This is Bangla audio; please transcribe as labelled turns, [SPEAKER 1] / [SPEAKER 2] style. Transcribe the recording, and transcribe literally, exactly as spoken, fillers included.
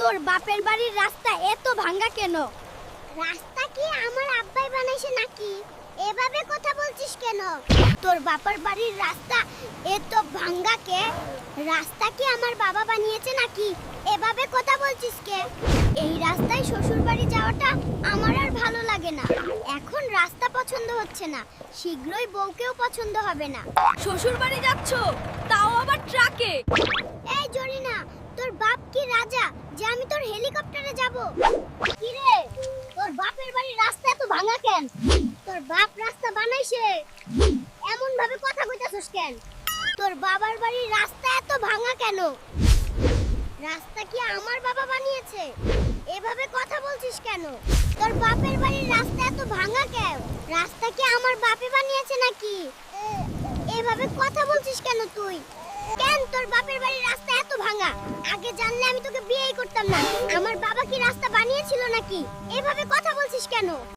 [SPEAKER 1] তোর বাপের বাড়ির রাস্তা এত ভাঙা কেন?
[SPEAKER 2] রাস্তা কি আমার আব্বাই বানাইছে নাকি? এভাবে কথা বলছিস কেন?
[SPEAKER 1] তোর বাপের বাড়ির রাস্তা এত ভাঙা কে?
[SPEAKER 2] রাস্তা কি আমার বাবা বানিয়েছে নাকি? এভাবে কথা বলছিস কে?
[SPEAKER 1] এই রাস্তায় শ্বশুর বাড়ি যাওয়াটা আমার আর ভালো লাগে না। এখন রাস্তা পছন্দ হচ্ছে না, শীঘ্রই বউকেও পছন্দ হবে না।
[SPEAKER 3] শ্বশুর বাড়ি যাচ্ছ, তাও আবার ট্রাকে?
[SPEAKER 2] এই জরিনা, তোর বাপ কি রাজা যে আমি তোর হেলিকপ্টারে যাব?
[SPEAKER 1] কি রে, তোর বাপের বাড়ির রাস্তা এত ভাঙা কেন?
[SPEAKER 2] তোর বাপ রাস্তা বানাইছে, এমন ভাবে কথা কইতাছস কেন?
[SPEAKER 1] তোর বাবার বাড়ির রাস্তা এত ভাঙা কেন?
[SPEAKER 2] রাস্তা কি আমার বাবা বানিয়েছে? এভাবে কথা বলছিস কেন?
[SPEAKER 1] তোর বাপের বাড়ির রাস্তা এত ভাঙা কেন?
[SPEAKER 2] রাস্তা কি আমার বাপে বানিয়েছে নাকি? এভাবে কথা বলছিস কেন তুই?
[SPEAKER 1] কেন তোর বাপের বাড়ির রাস্তা এত ভাঙা?
[SPEAKER 2] আগে জানলে আমি তোকে বিয়েই করতাম না। আমার বাবা কি রাস্তা বানিয়েছিল নাকি? এভাবে কথা বলছিস কেন?